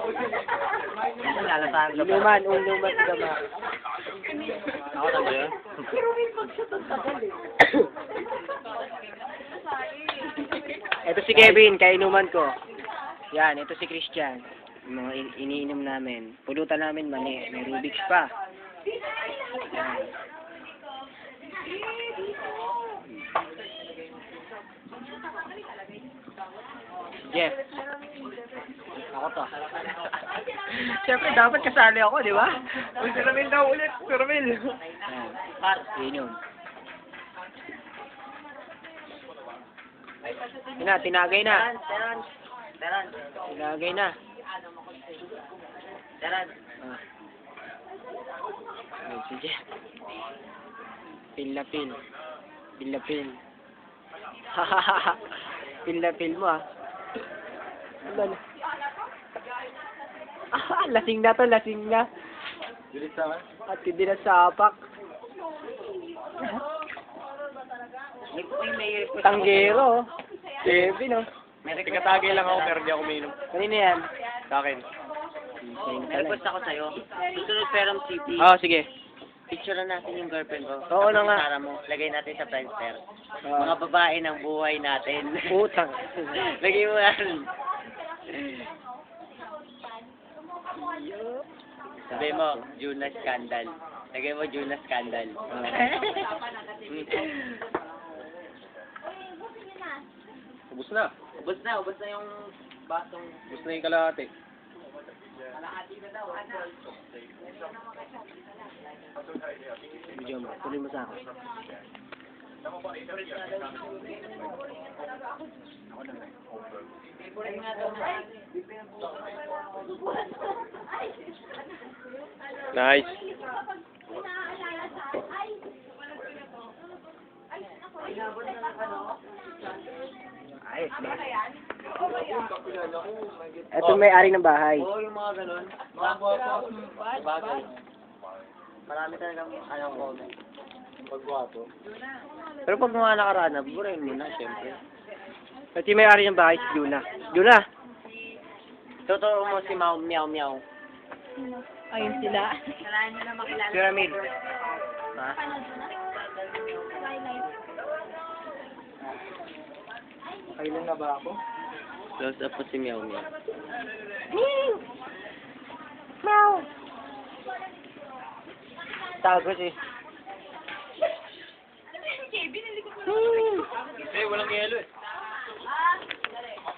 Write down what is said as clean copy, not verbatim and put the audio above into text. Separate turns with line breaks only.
Inuman si Gama.
Ako na ba yun?
Ito si Kevin, kainuman ko. Yan, ito si Christian. Yung mga iniinom namin. Pulutan namin mani. May Rubik's pa. Yan. Jeff. Ako to. Siyempre, dapat kasali ako, di ba?
Si Ramil daw ulit. Si Ramil.
Yan. Inom. Yun na, tinagay na. Tinagay na. Ah. Ayun, sige. Pil na pil. Pil na pil. Pil na pil mo ah. Ano? Lasing na to, lasing na.
Bilis naman.
At hindi na sapak. Tanggero. Kevin oh.
Tikatagay lang ako pero di ako uminom.
Kanina yan.
Sa akin.
May request ako sa'yo. Susunod Ferrum City.
Oo, sige.
Picture na natin yung girlfriend ko.
Oo na nga.
Para mo. Lagay natin sa Friendster. Mga babae ng buhay natin.
Putang.
Lagay mo yan. Sabi mo, Juna Scandal. Lagay mo Juna Scandal.
Ubus na.
Ubus na yung basong.
Ubus na yung kalahati.
Video mo. Tuloy mo sa akin.
Nice.
Ayos ba? Ito may-ari ng bahay.
Oo, yung mga ganun. Bagay. Marami talagang comment.
Pagwato.
Pero pag mga nakarana, burahin mo na, syempre.
Ito yung may-ari ng bahay, si Juna. Juna!
Totoo mo si Meow Meow Meow.
Ayun sila.
Pyramid.
Ha?
Kailan na ba ako?
Close up po si Meow Meow.
Tago si.
Eh, walang yelo eh.